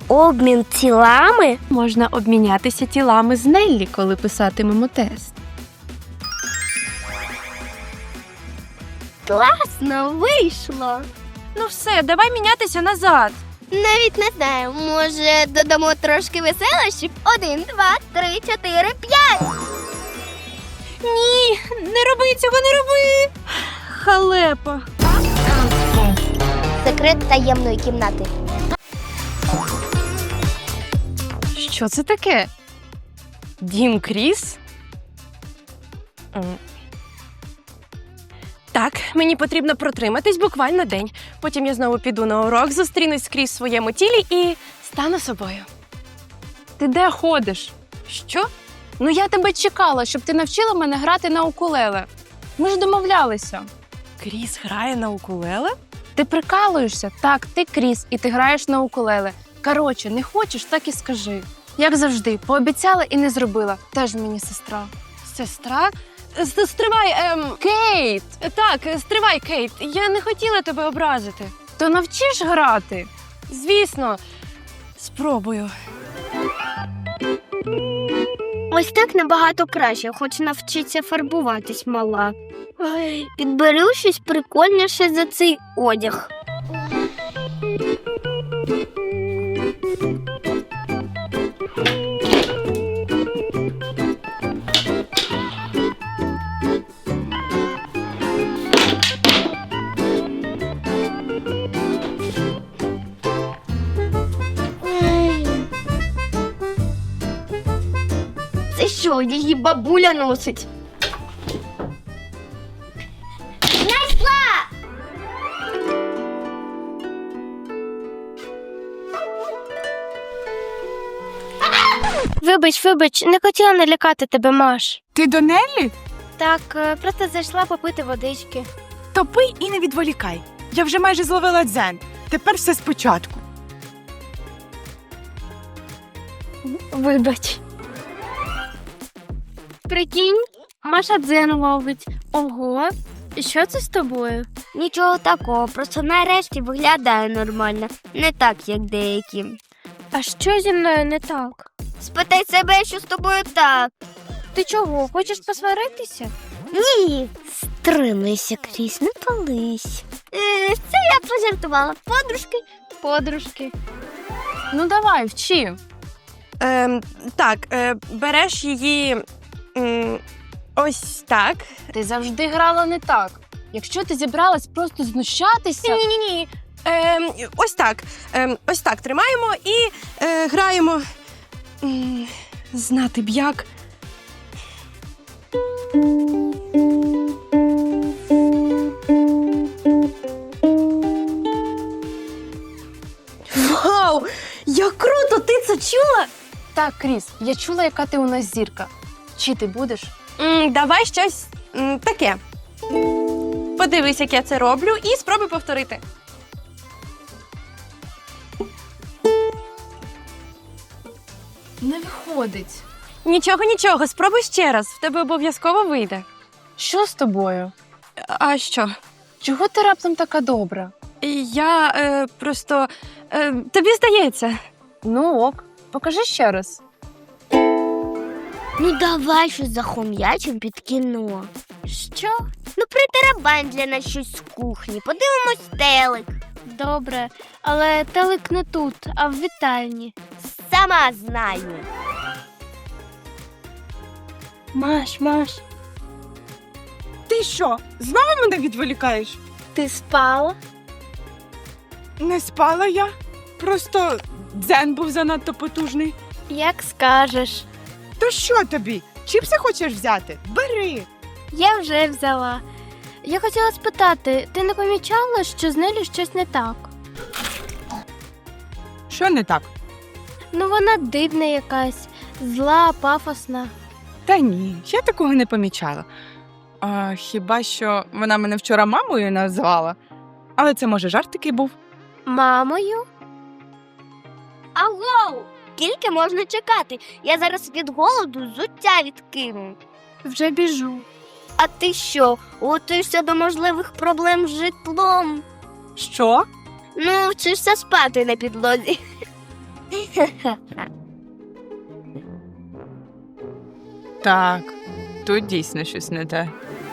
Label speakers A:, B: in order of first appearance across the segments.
A: Обмін тілами?
B: Можна обмінятися тілами з Неллі, коли писатимемо тест.
A: Класно вийшло.
B: Ну все, давай мінятися назад.
A: Навіть не знаю, може додамо трошки веселощів? 1, 2, 3, 4, 5.
B: Ні, не роби цього, не роби. Халепа.
A: Секрет таємної кімнати.
B: Що це таке? Дім Кріс? Так, мені потрібно протриматись буквально день. Потім я знову піду на урок, зустрінусь скрізь в своєму тілі і стану собою. Ти де ходиш? Що? Ну я тебе чекала, щоб ти навчила мене грати на укулеле. Ми ж домовлялися. Кріс грає на укулеле? Ти прикалуєшся? Так, ти Кріс, і ти граєш на укулеле. Коротше, не хочеш, так і скажи. Як завжди, пообіцяла і не зробила. Теж мені сестра. Сестра? Стривай, Кейт! Так, стривай, Кейт. Я не хотіла тебе образити. То навчиш грати? Звісно. Спробую.
A: Ось так набагато краще, хоч навчиться фарбуватись мала. Ой, підберу щось прикольніше за цей одяг. Це що, її бабуля носить? Знайшла! Вибач, не хотіла налякати тебе, Маш.
C: Ти до Неллі?
A: Так, просто зайшла попити водички.
C: То пий і не відволікай. Я вже майже зловила дзен. Тепер все спочатку.
A: Вибач. Прикинь, Маша дзен ловить. Ого, і що це з тобою? Нічого такого, просто нарешті виглядає нормально. Не так, як деякі. А що зі мною не так? Спитай себе, що з тобою так. Ти чого, хочеш посваритися? Ні. Стримайся, Кріс, не пались. Це я пожартувала. Подружки.
B: Ну давай, вчи. Так, береш її ось так. Ти завжди грала не так. Якщо ти зібралась просто знущатися...
D: Ні. Ось так тримаємо і граємо. Знати б як. Вау! Як круто! Ти це чула?
B: Так, Кріс, я чула, яка ти у нас зірка. Вчити будеш?
D: Давай щось таке. Подивись, як я це роблю, і спробуй повторити.
B: Не виходить.
D: Нічого, спробуй ще раз. В тебе обов'язково вийде.
B: Що з тобою?
D: А що?
B: Чого ти раптом така добра?
D: Я просто... тобі здається.
B: Ну ок, покажи ще раз.
A: Ну давай щось захом'ячим під кіно. Що? Ну притарабань для нас щось з кухні. Подивимось телек. Добре, але телек не тут, а в вітальні. Сама знаю. Маш.
C: Ти що, знову мене відволікаєш?
A: Ти спала?
C: Не спала я. Просто дзен був занадто потужний.
A: Як скажеш.
C: То що тобі? Чіпси хочеш взяти? Бери.
A: Я вже взяла. Я хотіла спитати, ти не помічала, що з Неллю щось не так?
C: Що не так?
A: Ну вона дивна якась, зла, пафосна.
C: Та ні, я такого не помічала. Хіба що вона мене вчора мамою назвала. Але це, може, жарт такий був.
A: Мамою? Аго! Скільки можна чекати? Я зараз від голоду взуття відкину. Вже біжу. А ти що, готуєшся до можливих проблем з житлом?
C: Що?
A: Ну, вчишся спати на підлозі.
C: Так, тут дійсно щось не те.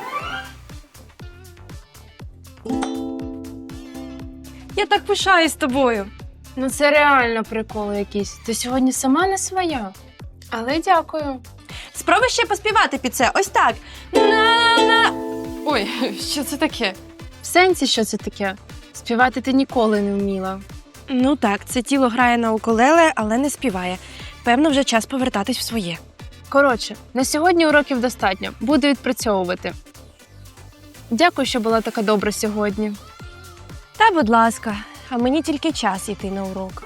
B: Я так пишаюсь тобою.
D: Ну це реально прикол якийсь. Ти сьогодні сама не своя. Але дякую.
B: Спробуй ще поспівати під це. Ось так. На-на. Ой, що це таке?
D: В сенсі, що це таке? Співати ти ніколи не вміла.
B: Ну так, це тіло грає на укулеле, але не співає. Певно, вже час повертатись в своє.
D: Коротше, на сьогодні уроків достатньо. Буду відпрацьовувати. Дякую, що була така добра сьогодні.
B: Та, будь ласка, а мені тільки час йти на урок.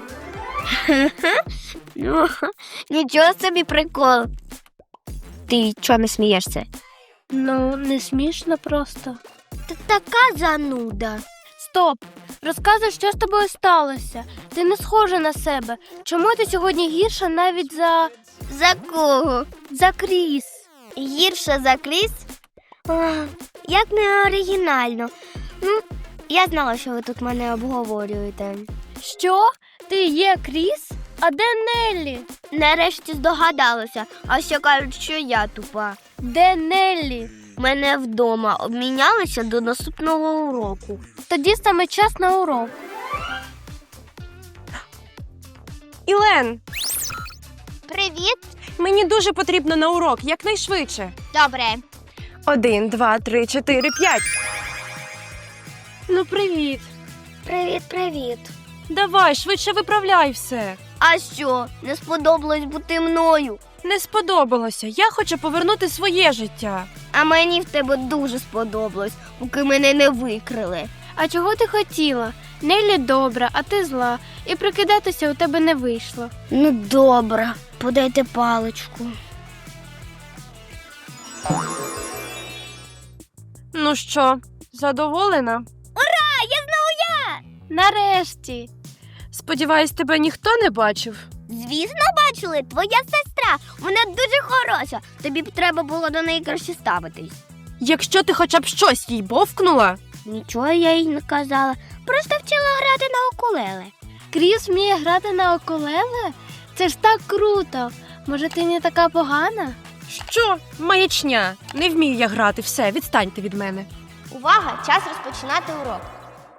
A: Ну, нічого собі прикол. Ти чого не смієшся? Ну, не смішно просто. Ти така зануда. Стоп! Розказуй, що з тобою сталося. Ти не схожа на себе. Чому ти сьогодні гірша навіть за... За кого? За Кріс. Гірша за Кріс? Як не оригінально. Ну, я знала, що ви тут мене обговорюєте. Що? Ти є Кріс? А де Неллі? Нарешті здогадалася, а ще кажуть, що я тупа. Де Неллі? Мене вдома обмінялися до наступного уроку. Тоді саме час на урок.
B: Ілен,
A: Привіт.
B: мені дуже потрібно на урок, якнайшвидше.
A: Добре.
B: 1, 2, 3, 4, 5. Ну, привіт.
A: Привіт.
B: Давай, швидше виправляй все.
A: А що, не сподобалось бути мною?
B: Не сподобалося. Я хочу повернути своє життя.
A: А мені в тебе дуже сподобалось, поки мене не викрили. А чого ти хотіла? Неллі добра, а ти зла. І прикидатися у тебе не вийшло. Ну, добре. Подайте паличку.
B: Ну що, задоволена?
A: Нарешті.
B: Сподіваюсь, тебе ніхто не бачив.
A: Звісно, бачили, твоя сестра. Вона дуже хороша. Тобі б треба було до неї краще ставитись.
B: Якщо ти хоча б щось їй бовкнула.
A: Нічого я їй не казала. Просто вчила грати на укулеле. Кріс вміє грати на укулеле? Це ж так круто. Може, ти не така погана?
B: Що? Маячня. Не вмію я грати. Все, відстаньте від мене.
A: Увага! Час розпочинати урок.